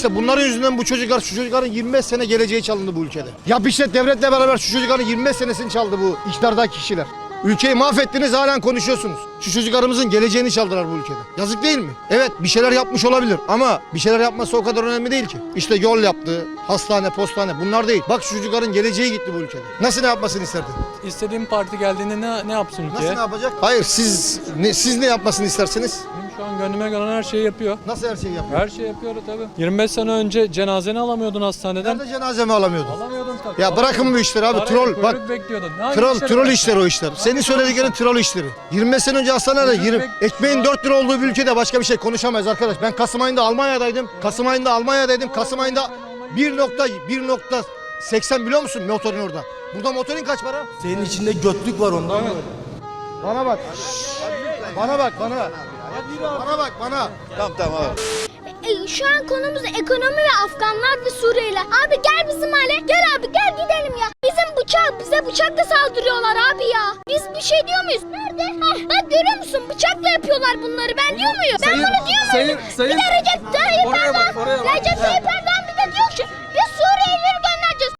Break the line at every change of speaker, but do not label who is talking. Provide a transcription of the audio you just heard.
İşte bunların yüzünden bu çocuklar, şu çocukların 25 sene geleceği çalındı bu ülkede. Ya işte devletle beraber şu çocukların 25 senesini çaldı bu iktidardaki kişiler. Ülkeyi mahvettiniz, halen konuşuyorsunuz. Şu çocuklarımızın geleceğini çaldılar bu ülkede. Yazık değil mi? Evet, bir şeyler yapmış olabilir ama bir şeyler yapması o kadar önemli değil ki. İşte yol yaptı, hastane, postane, bunlar değil. Bak şu çocukların geleceği gitti bu ülkede. Nasıl ne yapmasını isterdin?
İstediğim parti geldiğinde ne yapsın ülkeye?
Nasıl ne yapacak? Hayır, siz ne yapmasını istersiniz?
Benim şu an gönlüme gelen her şeyi yapıyor.
Nasıl her şeyi yapıyor?
Her şeyi yapıyor tabii. 25 sene önce cenazeni alamıyordun hastaneden.
Nerede cenazemi alamıyordun?
Alamıyordun tabii.
Ya bırakın bu işleri abi, troll. Bak,
bekliyordun.
troll işleri o işler. Senin söylediklerin troll işleri. 25 sene önce hastanede ekmeğin 4 lira olduğu bir ülkede başka bir şey konuşamayız arkadaş. Ben Kasım ayında Almanya'daydım. Kasım ayında 1.80 biliyor musun motorin orada? Burada motorin kaç para?
Senin içinde götlük var ondan mı?
Bana bak. Bana bak.
Tamam abi.
Şu an konumuz ekonomi ve Afganlar ve Suriyeliler. Abi gel bizim hale. Gel abi gel gidelim ya. Bize bıçakla saldırıyorlar abi ya. Biz bir şey diyor muyuz? Nerede? Bak görüyor musun? Bıçakla yapıyorlar bunları. Ben diyor muyum? Ben bunu diyor muyum? Bir de Recep Tayyip Erdoğan. Recep Tayyip Erdoğan bir de diyor ki bir